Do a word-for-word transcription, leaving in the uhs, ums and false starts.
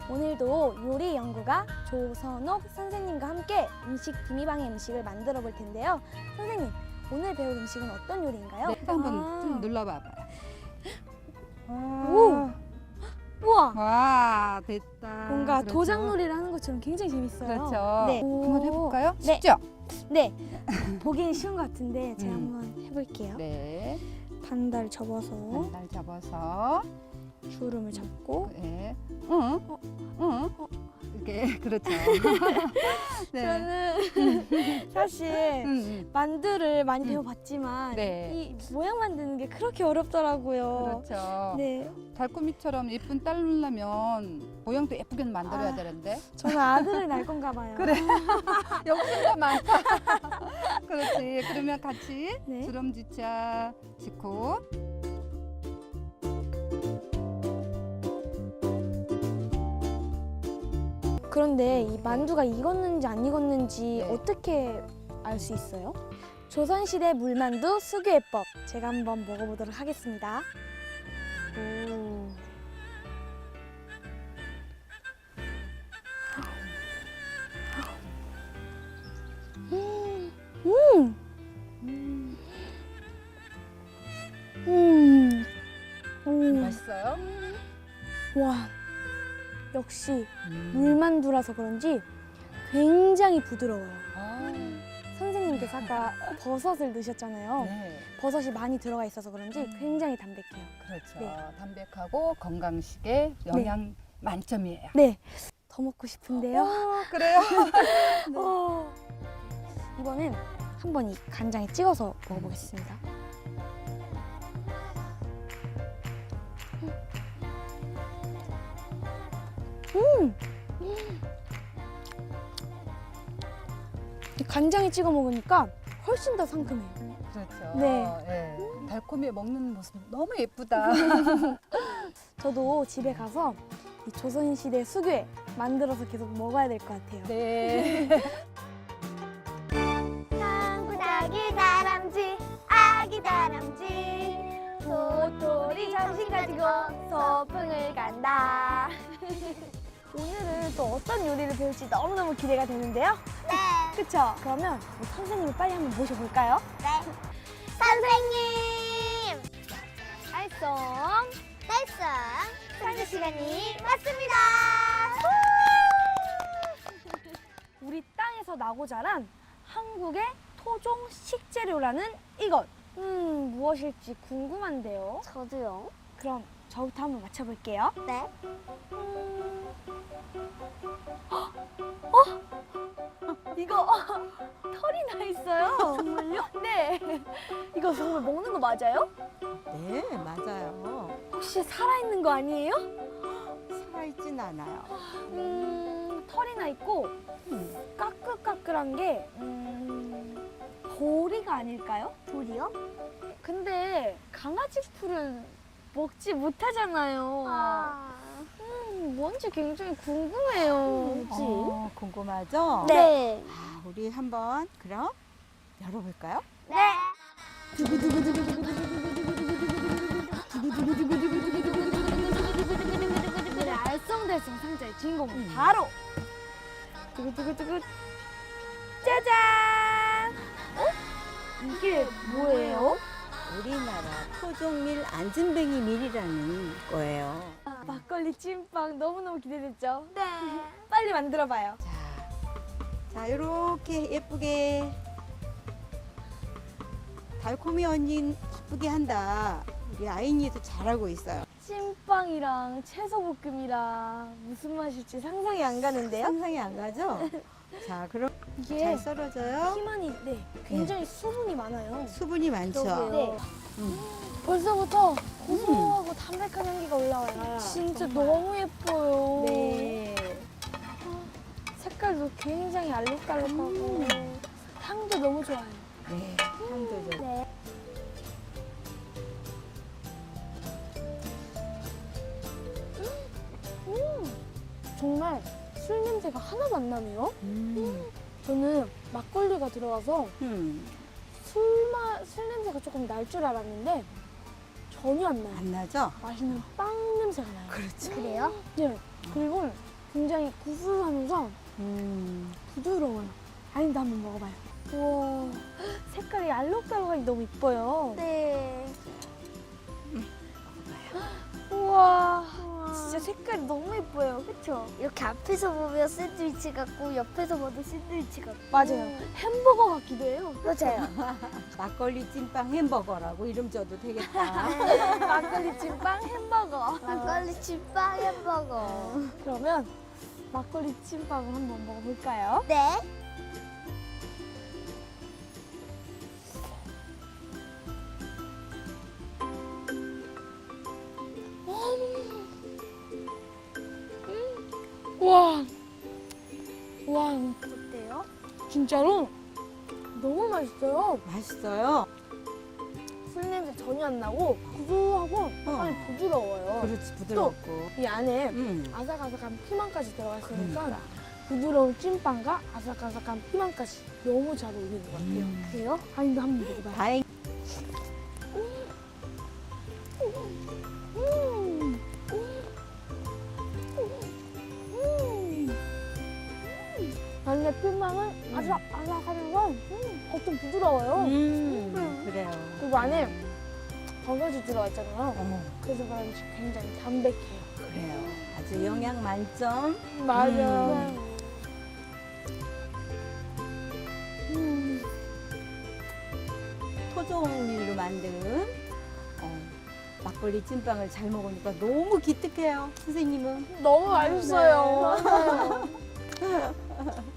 오늘도 요리 연구가 조선옥 선생님과 함께 음식 기미방의 음식을 만들어 볼 텐데요. 선생님, 오늘 배울 음식은 어떤 요리인가요? 네, 한번 아. 좀 눌러봐봐요. 오! 우와! 와, 됐다. 뭔가 그렇죠? 도장놀이를 하는 것처럼 굉장히 재밌어요. 그렇죠. 네. 한번 해볼까요? 네. 쉽죠? 네. 보기엔 쉬운 것 같은데 제가 음. 한번 해볼게요. 네. 반달 접어서 반달 접어서. 주름을 잡고 네. 응. 어? 응. 어? 이렇게 그렇죠. 네. 저는 사실 음, 음. 만두를 많이 음. 배워봤지만 네. 이 모양 만드는 게 그렇게 어렵더라고요. 그렇죠. 네, 달콤이처럼 예쁜 딸 누려면 모양도 예쁘게 만들어야 아. 되는데. 저는 아들을 낳을 건가 봐요. 그래. 욕심가 많다. 그렇지. 그러면 같이 네. 주름지차 짓고. 그런데 이 만두가 익었는지 안 익었는지 네. 어떻게 알 수 있어요? 조선시대 물만두 수교해법 제가 한번 먹어보도록 하겠습니다. 오. 음, 음, 음. 음, 음. 맛있어요? 와, 역시 음. 물만두라서 그런지 굉장히 부드러워요. 아, 선생님께서 아까 버섯을 넣으셨잖아요. 네. 버섯이 많이 들어가 있어서 그런지 굉장히 담백해요. 그렇죠. 네. 담백하고 건강식에 영양 만점이에요. 네, 더 먹고 싶은데요. 어, 그래요? 어, 이번엔 한번 이 간장에 찍어서 먹어보겠습니다. 음, 이 간장에 찍어 먹으니까 훨씬 더 상큼해요. 그렇죠. 네. 예. 달콤이 먹는 모습 너무 예쁘다. 저도 집에 가서 이 조선시대 수교에 만들어서 계속 먹어야 될 것 같아요. 네. 상구다기 다람쥐 아기 다람쥐 도토리 점심 가지고 소풍을 간다. 오늘은 또 어떤 요리를 배울지 너무너무 기대가 되는데요. 네, 그쵸? 그러면 우리 선생님을 빨리 한번 모셔볼까요? 네. 선생님! 알쏭 달성! 상주 시간이 왔습니다! 우리 땅에서 나고 자란 한국의 토종 식재료라는 이것. 음, 무엇일지 궁금한데요. 저도요. 그럼 저부터 한번 맞춰볼게요. 네. 이거 털이 나 있어요. 정말요? 네. 이거 정말 먹는 거 맞아요? 네, 맞아요. 혹시 살아있는 거 아니에요? 살아있진 않아요. 음, 털이 나 있고 음, 까끌까끌한 게 음, 보리가 아닐까요? 돌이요? 근데 강아지 풀은 먹지 못하잖아요. 아. 음, 뭔지 굉장히 궁금해요. 뭐지? 어, 궁금하죠? 네. 아, 우리 한번 그럼 열어볼까요? 네. 오늘의 알쏭달쏭 상자의 주인공은 음. 바로 두구두구두구 짜잔! 어? 이게 뭐예요? 우리나라 토종밀 안진뱅이 밀이라는 거예요. 막걸리 찐빵 너무너무 기대됐죠? 네. 빨리 만들어봐요. 자, 자, 이렇게 예쁘게 달콤이 언니 기쁘게 한다. 우리 아이니도 잘하고 있어요. 찐빵이랑 채소볶음이랑 무슨 맛일지 상상이 안 가는데요? 상상이 안 가죠? 자, 그럼 이게 잘 썰어져요. 희만이 네, 굉장히 수분이 많아요. 수분이 많죠? 네. 음. 벌써부터 고소하고 담백한 향기가 올라와요. 아, 진짜 정말. 너무 예뻐요. 네. 색깔도 굉장히 알록달록하고 음. 향도 너무 좋아요. 네, 향도 좋고. 네. 음, 정말 술 냄새가 하나도 안 나네요. 음. 저는 막걸리가 들어가서 음. 술맛, 술 냄새가 조금 날 줄 알았는데 전혀 안 나요. 안 나죠? 맛있는 빵 냄새가 나요. 그렇죠. 그래요? 네. 그리고 굉장히 구수하면서 음. 부드러워요. 아닌데 한번 먹어봐요. 우와, 색깔이 알록달록하니 너무 이뻐요. 네. 우와, 진짜 색깔이 너무 예뻐요. 그렇죠. 이렇게 앞에서 보면 샌드위치 같고 옆에서 봐도 샌드위치 같고. 맞아요. 햄버거 같기도 해요. 맞아요. 막걸리 찐빵 햄버거라고 이름 줘도 되겠다. 막걸리 찐빵 햄버거. 막걸리 찐빵 햄버거. 그러면 막걸리 찐빵을 한번 먹어볼까요? 네. 와, 와, 어때요? 진짜로 너무 맛있어요. 맛있어요. 술 냄새 전혀 안 나고 구수하고 약간 어. 부드러워요. 그렇지, 부드럽고. 이 안에 음. 아삭아삭한 피망까지 들어가 있으니까 그러니까. 부드러운 찐빵과 아삭아삭한 피망까지 너무 잘 어울리는 것 같아요. 음. 그래요? 아닌데 한번 먹어봐요. 다행. 음. 음. 안에 피망은 아삭아삭하면서 음, 겉은 부드러워요. 음. 그래요. 그리고 안에 버섯이 들어가 있잖아요. 어, 그래서 그런지 굉장히 담백해요. 그래요. 아주 영양 만점. 맞아요. 음. 토종밀로 만든 어, 막걸리 찐빵을 잘 먹으니까 너무 기특해요. 선생님은. 너무 맛있어요. 맞아요.